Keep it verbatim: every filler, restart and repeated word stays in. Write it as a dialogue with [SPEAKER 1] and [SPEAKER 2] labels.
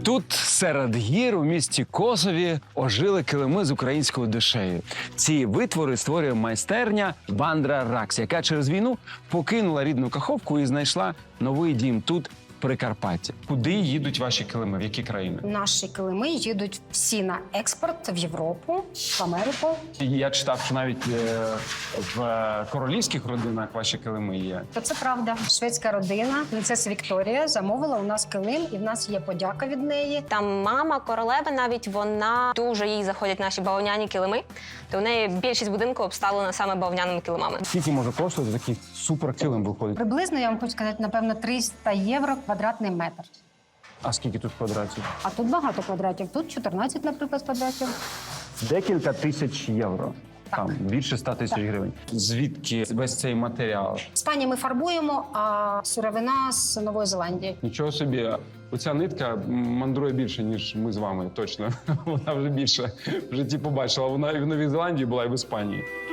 [SPEAKER 1] Тут, серед гір, у місті Косові, ожили килими з українською душею. Ці витвори створює майстерня Вандра Ракс, яка через війну покинула рідну Каховку і знайшла новий дім тут, в Прикарпатті. Куди їдуть ваші килими? В які країни?
[SPEAKER 2] Наші килими їдуть всі на експорт в Європу, в Америку.
[SPEAKER 1] Я читав, що навіть е, в королівських родинах ваші килими є.
[SPEAKER 2] То це правда. Шведська родина, принцеса Вікторія, замовила у нас килим, і в нас є подяка від неї.
[SPEAKER 3] Там мама королеви навіть, вона дуже їй заходять наші бавовняні килими, то в неї більшість будинку обставлена саме бавовняними килимами.
[SPEAKER 1] Скільки може коштувати такий суперкилим виходить?
[SPEAKER 2] Приблизно, я вам хочу сказати, напевно, триста євро квадратний метр.
[SPEAKER 1] А скільки тут квадратів?
[SPEAKER 2] А тут багато квадратів. Тут чотирнадцять, наприклад, квадратів.
[SPEAKER 1] Декілька тисяч євро.
[SPEAKER 2] Так.
[SPEAKER 1] Там більше ста тисяч
[SPEAKER 2] Так.
[SPEAKER 1] гривень. Звідки весь цей матеріал?
[SPEAKER 2] Іспанії ми фарбуємо, а сировина з Нової Зеландії.
[SPEAKER 1] Нічого собі. Оця нитка мандрує більше, ніж ми з вами, точно. Вона вже більше в житті побачила. Вона і в Новій Зеландії була, і в Іспанії.